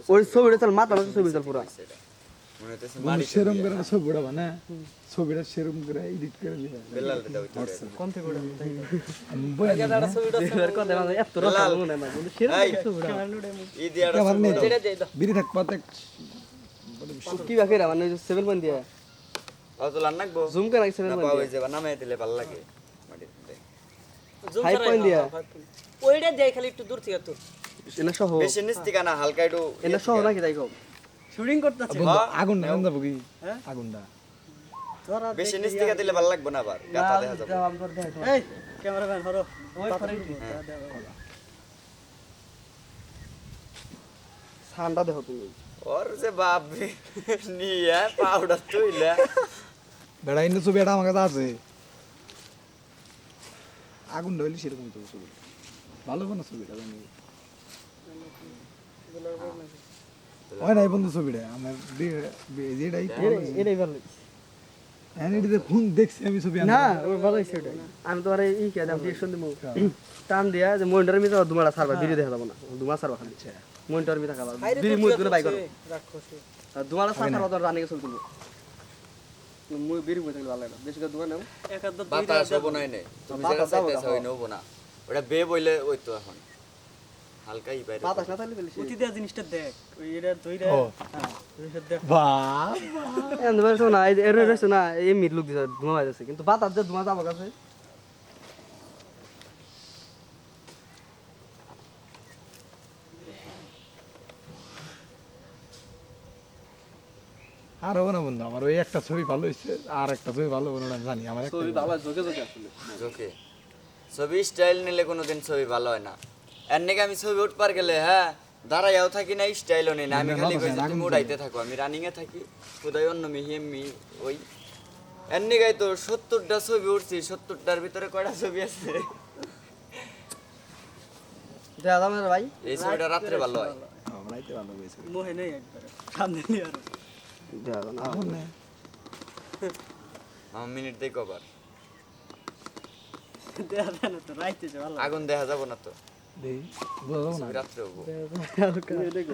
ওই ছবিটা চল মাথা মাথা ছবি চল পুরা মনে হইতেছে বন্ধু সেরম করে ছবিটা বানা ছবিটা সেরম করে এডিট করে দিবা বেলাল দাও কোন থেকে ওটা আমি বলে দিই, হ্যাঁ? এর কথা মানে এত রাখা মনে না বন্ধু সেরকম এই ই দিয়াটা আমার নেই তো। যেটা দেই দাও বিড়ি থাক পাতে কি বাকি রা মানে 7 পয়েন্ট দিয়া অত লান নাকবো জুম করে 7 না পয়েন্ট পাওয়া দিয়া যাবে নামে দিলে ভালো লাগে মাটিতে জুম 5 পয়েন্ট দিয়া ওইটা দেই খালি একটু দূর থেকে তো এনা সহ বেশি নিচ থেকে না হালকা একটু এনা সহ নাকি তাই কম শুটিং করতেছে বন্ধু আগুনটা আনন্দ বুকি হ্যাঁ? আগুনটা তোরা বেশি নিচ থেকে দিলে ভালো লাগবে না আবার গাতা দেখা যাবে জবাব করে দেখ এই ক্যামেরাম্যান ধরো ওই করে সানটা দেখো তুমি ওর যে বাপ রে নিয়ে পাউডার তুইলা বেড়া ইন্দু ছবি এটা আমার কাছে আছে আগুনটা হইলে সেরকম তো ছবি ভালো কোনো ছবিটা জানি হয় নাই বন্ধু ছবিটা আমার যেটাই এটাই ভালো হ্যাঁ এটাতে ফোন দেখছি আমি ছবি না ওর ভালো হইছে ওটা আমি তো আরে ই কে দাম ডিরেকশন দিমু টান দিয়া যে মনিটরের ভিতর দুমাড়া সারবা ভিডিও দেখা যাব না দুমা সারবা খালি মনিটরের ভিতর খাবা বিড়ি মুই করে বাই করো রাক্ষসে আর দুমাড়া সারবা তো রানিং চল তুলবো মুই বিড়ি মুই থাকলে ভালো লাগে বেশি করে দুমা নাও এক আধ দুই বাতাস হবো নাই নে তুমি যেটা চাইতেছ ওই নবো না ওটা বে বইলে ওই তো এখন হালকা ই বাইরে বাতাস না থাকলে বেশি অতি দেয়া জিনিসটা দেখ ওই এটা ধইরা ও। হ্যাঁ জিনিসটা দেখ বাহ এন্ড ভাই না এর রইছে না এই মিট লুক দিছে ধুমা বাইছে কিন্তু বাতাস যে ধুমা যাবো কাছে আর হবে না বন্ধু আমার ওই একটা ছবি ভালো হয়েছে আর একটা ছবি ভালো হবে না আমি জানি আমার একটা ছবি ভালো জোকে জোকে আসলে ওকে ছবি স্টাইল নিলে কোনোদিন ছবি ভালো হয় না এর নাকি আমি ছবি উঠবার গেলে হ্যাঁ দাঁড়াইয়াও থাকি না স্টাইলও নেই না আমি খালি কই যে তুমি উড়াইতে থাকো আমি রানিং এ থাকি কোথায় অন্য মিহি ওই এর নাকি তো 70টা ছবি উঠছি 70টার ভিতরে কয়টা ছবি আছে দাদা আমার ভাই এই ছবিটা রাত্রে ভালো হয় আমরাইতে ভালো হয়েছে মোহে নেই একবার সামনে নিয়ে আর দাদা না এখন না আমার মিনিট দেই কবার দেয়া দেন তো রাইতেছে ভালো আগুন দেখা যাব না তো দেই বোঝা যাবে না ছবি রাত্রে হবো দেখো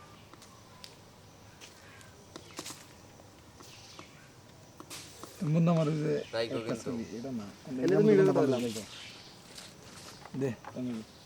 বন্ধু আমার ওই যে তাই কো একটা কিন্তু ছবি এটা না এলে তুমি ভিডিও কথা বললাম দে তুমি